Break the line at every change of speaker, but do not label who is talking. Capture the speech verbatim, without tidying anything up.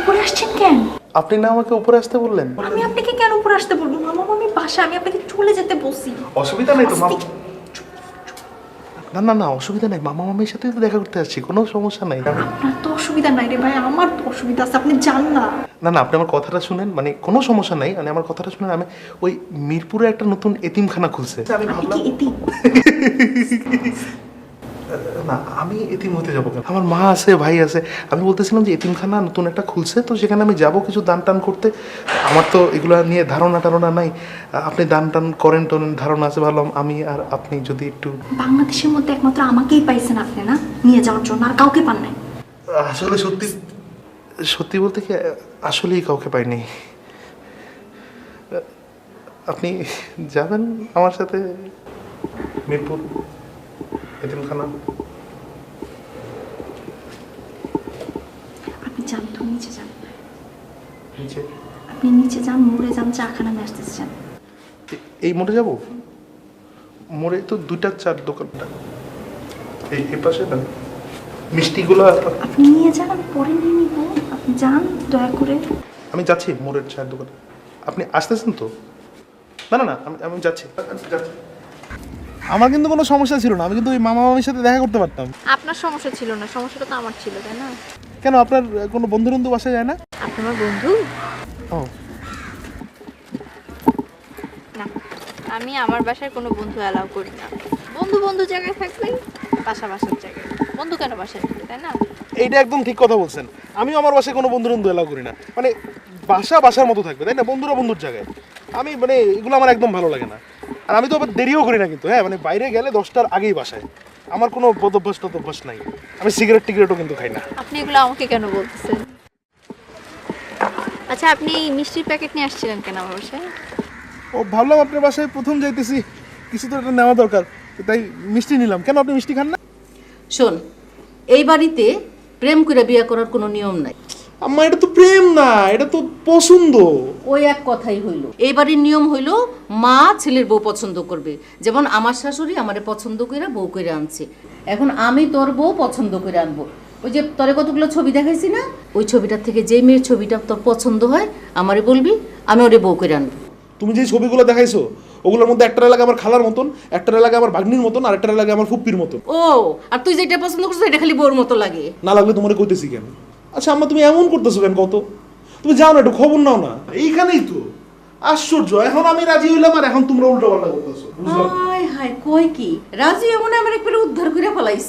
উপরে আসছেন কেন?
আপনি না আমাকে উপরে আসতে বললেন?
আমি আপনাকে কেন উপরে আসতে বলবো? মামা মামি বাসা, আমি আপনাকে চলে যেতে বলছি।
অসুবিধা নেই তো মামা। না না না অসুবিধা নেই, মামা মামির সাথে তো দেখা করতে আসছি, কোনো সমস্যা নাই।
আপনার তো অসুবিধা নাই রে ভাই, আমার তো অসুবিধা আছে, আপনি যান না।
না না আপনি আমার কথাটা শুনেন, মানে কোনো সমস্যা নাই, মানে আমার কথাটা শুনেন। আমি ওই মিরপুরে একটা নতুন এতিমখানা খুলছে, আমি
আপনি
ভাবলাম
কি এতিম?
না আমি এতিম হতে যাবো কেন? আমার মা আছে, ভাই আছে। আমি বলতেছিলাম যে এতিমখানা নতুন একটা খুলছে, তো সেখানে আমি যাব কিছু দান টান করতে। আমার তো এগুলো নিয়ে ধারণা টারণা নাই। আপনি দান টান করেন টোরেন, ধারণা আছে, ভাবলাম আমি আর আপনি যদি একটু।
বাংলাদেশের মধ্যে একমাত্র আমাকেই পাইছেন আপনি না নিয়ে যাওয়ার জন্য, আর কাউকে পান নাই।
আসলে সত্যি সত্যি বলতে কি আসলেই কাউকে পাইনি। আপনি যাবেন আমার সাথে মিরপুর এতিমখানা?
আপনি যান তো, নিচে যান।
নিচে?
আপনি নিচে যান, মোড়ে যান, চা খানা নিয়ে আসতেছেন।
এই মোড়ে যাব? মোড়ে তো দুইটা চার দোকানটা এই এই পাশে না, মিষ্টিগুলো।
আপনি নিয়ে যান, আমি পরে নিয়ে নিব। আপনি যান দয়া করে।
আমি যাচ্ছি মোড়ের চায়ের দোকানে। আপনি আসতেছেন তো? না না না আমি আমি যাচ্ছি যাচ্ছি।
আমার কিন্তু কোনো সমস্যা ছিল না, আমি কিন্তু ওই মামা মামির সাথে দেখা করতে পারতাম।
আপনার সমস্যা ছিল না, সমস্যাটা তো আমার ছিল, তাই না?
কেন, আপনার কোনো বন্ধু বন্ধু বাসায় যায় না?
আপনি আমার বন্ধু
ও
না, আমি আমার বাসায় কোনো বন্ধু অ্যালাউ করি না। বন্ধু বন্ধু জায়গায় থাকবে, বাসা বাসার জায়গায়। বন্ধু কেন বাসায় থাকবে, তাই না?
এইটা একদম ঠিক কথা বলছেন। আমিও আমার বাসায় কোনো বন্ধু বন্ধু এলাও করি না, মানে বাসা বাসার মতো থাকবে, তাই না? বন্ধুরা বন্ধুর জায়গায়। আমি মানে এগুলো আমার একদম ভালো লাগে না। আর আমি তো আবার দেরিও করি না কিন্তু, হ্যাঁ মানে বাইরে গেলে দশটার আগেই বাসায়। আমার কোনো বদভ্যাস টদভ্যাস নাই। আমি সিগারেট টিগারেটও কিন্তু খাই না।
আপনি এগুলো আমাকে কেন বলতেছেন? আচ্ছা, আপনি মিষ্টির প্যাকেট নিয়ে আসছিলেন কেন আমার বাসায়?
ও ভাবলাম আপনার বাসায় প্রথম যাইতেছি, কিছু তো একটা নেওয়া দরকার, তাই মিষ্টি নিলাম। কেন আপনি মিষ্টি খান না?
শোন, এই বাড়িতে প্রেম করে বিয়ে করার কোনো নিয়ম নাই।
আম্মা এটা তো প্রেম না, এটা তো পছন্দ।
ওই এক কথাই হইল। এই বাড়ির নিয়ম হইল মা ছেলের বউ পছন্দ করবে। যেমন আমার শাশুড়ি আমারে পছন্দ করে বউ করে আনছে, এখন আমি তোর বউ পছন্দ করে আনবো। ওই যে তোরে কতগুলো ছবি দেখাইছি না, ওই ছবিটার থেকে যে মেয়ের ছবিটা তোর পছন্দ হয় আমারে বলবি, আমি ওরে বউ করে আনবো।
তুমি যে ছবিগুলো দেখাইছো ওগুলোর মধ্যে একটার লাগে আমার খালার মতন, একটার লাগে আমার ভাগ্নির মতন, আর একটার লাগে আমার ফুপ্পির মতন।
ও, আর তুই যেটা পছন্দ করছিস এটা খালি বউর মতো লাগে।
না লাগলে তোমার কইতেছি কেন? আচ্ছা আম্মা তুমি এমন করতেছো কেন কত? তুমি যাও না, একটু খবর নাও না। এইখানেই তো আশ্চর্য, এখন আমি রাজি হইলাম আর এখন তোমরা উল্টো পাল্টা করতেছো।
হায় হায়, কই কি রাজি এমন আমার একবারে উদ্ধার করে ফেলাইছে।